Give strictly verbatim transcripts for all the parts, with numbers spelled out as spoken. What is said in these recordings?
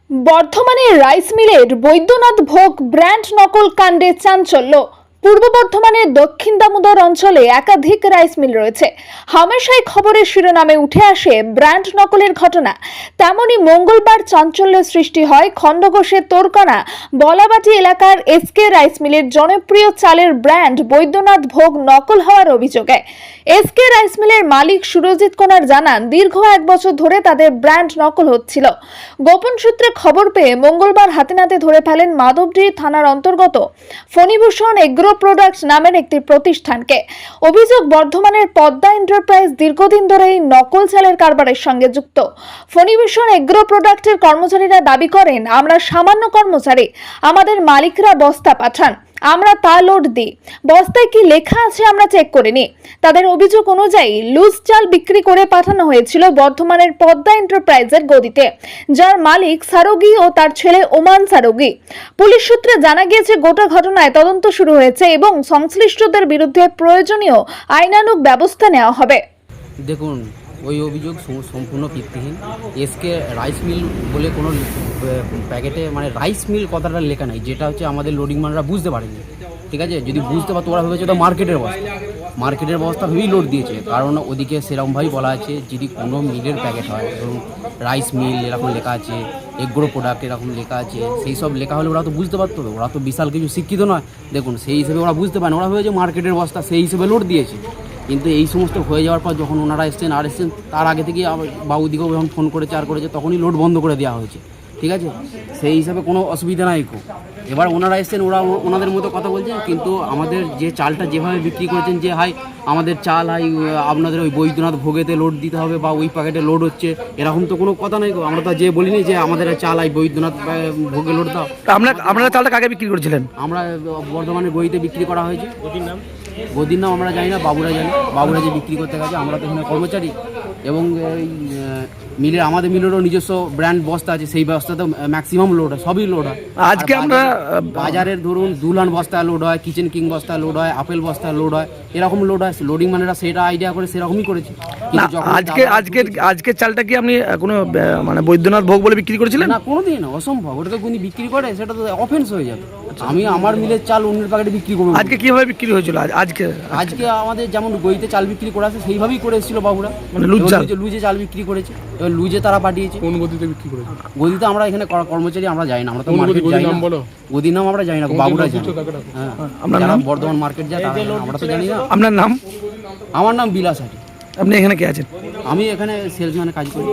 বর্ধমানের রাইস মিলের বৈদ্যনাথ ভোগ ব্র্যান্ড নকল কাণ্ডে চাঞ্চল্য। পূর্ব বর্ধমানের দক্ষিণ দামোদর অঞ্চলে একাধিক রাইস মিল রয়েছে। হামেশাই খবরের শিরোনামে উঠে আসে ব্র্যান্ড নকলের ঘটনা। তেমনি মঙ্গলবার চাঞ্চল্যের সৃষ্টি হয় খণ্ডঘোষের তোরকানা বলাবাটি এলাকার এসকে রাইস মিলের জনপ্রিয় চালের ব্র্যান্ড বৈদ্যনাথ ভোগ নকল হওয়ার অভিযোগে। এসকে রাইস মিলের মালিক সুরজিৎ কোনার জানান, দীর্ঘ এক বছর ধরে তাদের ব্র্যান্ড নকল হচ্ছিল। গোপন সূত্রে খবর পেয়ে মঙ্গলবার হাতে নাতে ধরে ফেলেন মাধবডি থানার অন্তর্গত ফণীভূষণ এগ্রো প্রোডাক্টস নামের একটি প্রতিষ্ঠানকে। অভিযোগ, বর্ধমানের পদ্মা এন্টারপ্রাইজ দীর্ঘদিন ধরে এই নকল চালের কারবারের সঙ্গে যুক্ত। ফণীভূষণ এগ্রো প্রোডাক্টের কর্মচারীরা দাবি করেন, আমরা সামান্য কর্মচারী, আমাদের মালিকরা বস্তা পাঠান, আমরা তা লোড দিই, বস্তায় কি লেখা আছে আমরা চেক করে নিই। তাদের অভিযোগ অনুযায়ী লুজ চাল বিক্রি করে পাঠানো হয়েছিল বর্ধমানের পদ্মা এন্টারপ্রাইজের গদিতে, যার মালিক সারোগি ও তার ছেলে ওমান সারোগি। পুলিশ সূত্রে জানা গিয়েছে, গোটা ঘটনায় তদন্ত শুরু হয়েছে এবং সংশ্লিষ্টদের বিরুদ্ধে প্রয়োজনীয় আইনানুগ ব্যবস্থা নেওয়া হবে। দেখুন, ওই অভিযোগ সম্পূর্ণ ভিত্তিহীন। এসকে রাইস মিল বলে কোনো প্যাকেটে মানে রাইস মিল কথাটা লেখা নাই, যেটা হচ্ছে আমাদের লোডিং ম্যানরা বুঝতে পারেনি। ঠিক আছে, যদি বুঝতে পারতো ওরা ভেবেছে ওটা মার্কেটের বস্তা, মার্কেটের বস্তা ভেবেই লোড দিয়েছে। কারণ ওদিকে সেরকমভাবেই বলা আছে, যদি কোনো মিলের প্যাকেট হয়, ধরুন রাইস মিল এরকম লেখা আছে, এগ্রো প্রোডাক্ট এরকম লেখা আছে, সেই সব লেখা হলে ওরা তো বুঝতে পারতো। ওরা তো বিশাল কিছু শিক্ষিত নয়। দেখুন, সেই হিসেবে ওরা বুঝতে পারে না, ওরা ভেবেছে মার্কেটের বস্তা, সেই হিসেবে লোড দিয়েছে। কিন্তু এই সমস্ত হয়ে যাওয়ার পর যখন ওনারা এসছেন আর এসছেন তার আগে থেকেই বাবুদিকেও যখন ফোন করেছে আর করেছে, তখনই লোড বন্ধ করে দেওয়া হয়েছে। ঠিক আছে, সেই হিসাবে কোনো অসুবিধা নাই। খুব এবার ওনারা এসছেন, ওরা ওনাদের মতো কথা বলছেন, কিন্তু আমাদের যে চালটা যেভাবে বিক্রি করেছেন, যে হাই আমাদের চাল হাই আপনাদের ওই বৈদ্যনাথ ভোগেতে লোড দিতে হবে বা ওই প্যাকেটে লোড হচ্ছে, এরকম তো কোনো কথা নেই। আমরা তো যে বলিনি যে আমাদের চাল হাই বৈদ্যনাথ ভোগে লোড দাও। আমরা আপনারা চালটা কাকে বিক্রি করেছিলেন? আমরা বর্ধমানের গদিতে বিক্রি করা হয়েছে। গদির নাম গদির নাম আমরা জানি না, বাবুরা জানি। বাবুরা যে বিক্রি করতে গেছে, আমরা তো এখানে কর্মচারী। এবং এই মিলের আমাদের মিলেরও নিজস্ব ব্র্যান্ড বস্তা আছে, সেই বস্তাতে ম্যাক্সিমাম লোড হয়, সবই লোড হয়। আজকে আমরা বাজারের ধরুন দুলান বস্তা লোড হয়, কিচেন কিং বস্তা লোড হয়, আপেল বস্তা লোড হয়, এরকম লোড হয়। লোডিং ম্যানেরা সেটা আইডিয়া করে সেরকমই করেছে। আজকে আজকে আজকের চালটা কি আপনি কোনো মানে বৈদ্যনাথ ভোগ বলে বিক্রি করেছিলেন? না, কোনোদিন অসম্ভব। ওটাকে কোনো বিক্রি করে সেটা তো অফেন্স হয়ে যাবে। আমি আমার মিলের চাল অন্যের প্যাকেটে বিক্রি করবো। আজকে কিভাবে বিক্রি হয়েছিল? আজকে আজকে আমাদের যেমন গইতে চাল বিক্রি করা আছে সেইভাবেই করে এসেছিল বাবুরা, মানে লুজ লুজে চাল বিক্রি করেছে। এবার লুজে তারা পাঠিয়েছে। কোন গদিতে বিক্রি করেছে? গদিতে আমরা এখানে কর্মচারী, আমরা যাই না, আমরা তো মার্কেট যাই না। গদির নাম আমরা জানি না, বাবুরা জানি। হ্যাঁ, আমরা নাম বর্ধমান মার্কেট যাই, আমরা তো জানি না। আপনার নাম? আমার নাম বিলাস হাটি। আপনি এখানে কে আছেন? আমি এখানে সেলসম্যানে কাজ করি।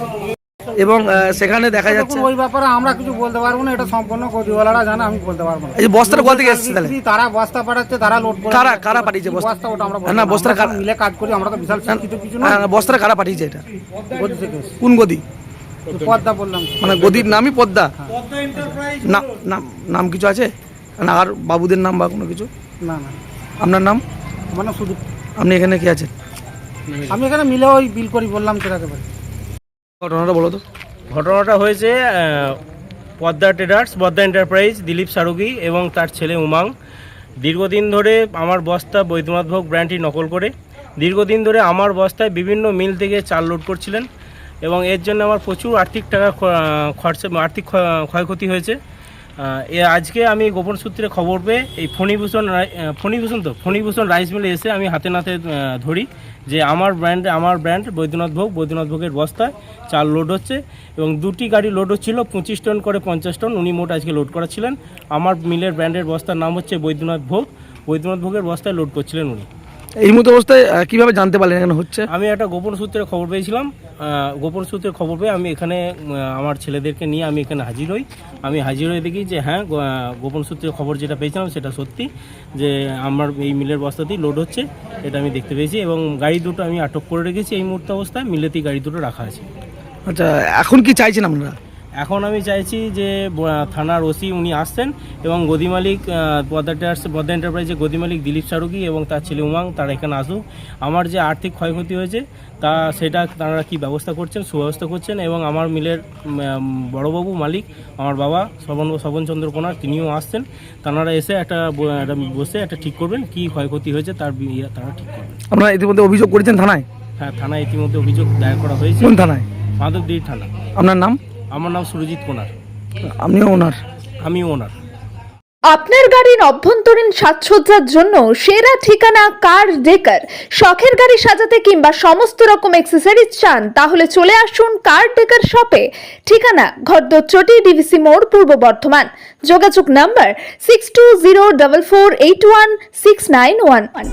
এবং সেখানে দেখা যাচ্ছে ওই ব্যাপারে আমরা কিছু বলতে পারবো না, এটা সম্পূর্ণ গদিওয়ালারা জানে, আমি বলতে পারবো না। এই যে বস্তাটা কোথা থেকে এসেছে তাহলে? তারা বস্তা পাঠাচ্ছে, তারা লোড করে। কারা কারা পাঠিয়েছে বস্তা? বস্তা ওটা আমরা না, বস্তাটা কারা মিলে কাজ করি, আমরা তো বিশাল শিক্ষিত কিছু না। বস্তাটা কারা পাঠিয়েছে এটা? গদি থেকে। কোন গদি? পদ্মা বললাম, মানে গদির নামই পদ্মা? না, নাম নাম কিছু আছে না? আর বাবুদের নাম বা কোনো কিছু? না না। আপনার নাম? মানে শুধু। আপনি এখানে কি আছেন? আমি এখানে মিলে ওই বিল করি বললাম সেটাকে বলি। ঘটনাটা বলো তো। ঘটনাটা হয়েছে পদ্মা ট্রেডার্স, পদ্মা এন্টারপ্রাইজ, দিলীপ সারুগি এবং তার ছেলে উমাং দীর্ঘদিন ধরে আমার বস্তা বৈদ্যনাথ ভোগ ব্র্যান্ডটি নকল করে দীর্ঘদিন ধরে আমার বস্তায় বিভিন্ন মিল থেকে চাল লোড করছিলেন এবং এর জন্য আমার প্রচুর আর্থিক টাকা খরচা আর্থিক ক্ষয়ক্ষতি হয়েছে। এ আজকে আমি গোপন সূত্রে খবর পেয়ে এই ফণীভূষণ ফণীভূষণ তো ফণীভূষণ রাইস মিলে এসে আমি হাতে নাতে ধরি যে আমার ব্র্যান্ড আমার ব্র্যান্ড বৈদ্যনাথ ভোগ বৈদ্যনাথ ভোগের বস্তায় চাল লোড হচ্ছে এবং দুটি গাড়ি লোড হচ্ছিল, পঁচিশ টন করে পঞ্চাশ টন উনি মোট আজকে লোড করাচ্ছিলেন। আমার মিলের ব্র্যান্ডের বস্তার নাম হচ্ছে বৈদ্যনাথ ভোগ, বৈদ্যনাথ ভোগের বস্তায় লোড করছিলেন উনি। এই মতো অবস্থায় কিভাবে জানতে পারলেন এখানে হচ্ছে? আমি একটা গোপন সূত্রে খবর পেয়েছিলাম। গোপন সূত্রে খবর পেয়ে আমি এখানে আমার ছেলেদেরকে নিয়ে আমি এখানে হাজির হই। আমি হাজির হয়ে দেখি যে হ্যাঁ, গোপন সূত্রে খবর যেটা পেয়েছিলাম সেটা সত্যি, যে আমার এই মিলের বস্তাতেই লোড হচ্ছে, এটা আমি দেখতে পেয়েছি এবং গাড়ি দুটো আমি আটক করে রেখেছি। এই মুহূর্তে অবস্থায় মিলেতেই গাড়ি দুটো রাখা আছে। আচ্ছা, এখন কি চাইছেন আপনারা? এখন আমি চাইছি যে থানার ওসি উনি আসছেন এবং গদি মালিক পদ্মা ট্রেডার্স পদ্মা এন্টারপ্রাইজের গদি মালিক দিলীপ সারুগি এবং তার ছেলে উমাং তারা এখানে আসুক। আমার যে আর্থিক ক্ষয়ক্ষতি হয়েছে তা সেটা তারা কী ব্যবস্থা করছেন, সুব্যবস্থা করছেন এবং আমার মিলের বড়বাবু মালিক আমার বাবা শোভন শোভনচন্দ্র কোনার তিনিও আসছেন। তারা এসে একটা বসে একটা ঠিক করবেন কী ক্ষয়ক্ষতি হয়েছে তার তারা ঠিক করবেন। আপনারা ইতিমধ্যে অভিযোগ করেছেন থানায়? হ্যাঁ, থানায় ইতিমধ্যে অভিযোগ দায়ের করা হয়েছে। কোন থানায়? মাধবদী থানা। আপনার নাম? আমার নাম সুরজিৎ কোনার, আপনিও ওনার? আমি ওনার। আপনার গাড়ির অভ্যন্তরীণ সাজসজ্জার জন্য সেরা ঠিকানা কার ডেকার। শখের গাড়ি সাজাতে কিংবা সমস্ত রকম অ্যাক্সেসরিজ চান তাহলে চলে আসুন কার ডেকার শপে। ঠিকানা ঘরদচটি ডিভিসি মোড়, পূর্ব বর্ধমান। যোগাযোগ number six two zero double four eight one six nine one one.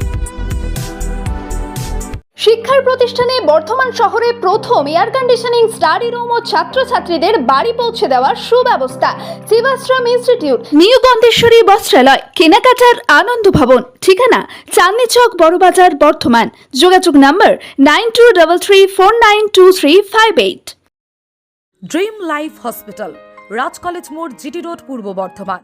শিক্ষার প্রতিষ্ঠানে বর্ধমান শহরে প্রথম এয়ার কন্ডিশনিং স্টাডি রুম ও ছাত্রছাত্রীদের বাড়ি পৌঁছে দেওয়ার সুব্যবস্থা। শিবাশ্রম ইনস্টিটিউট, নিউ গন্ধেশ্বরী বস্ত্রালয়, কেনাকাটার আনন্দ ভবন। ঠিকানা চাঁদনি চক, বড়বাজার, বর্ধমান। যোগাযোগ number nine two double three four nine two three five eight. Dream life hospital, Raj college মোড়, জিটি রোড, পূর্ব বর্ধমান।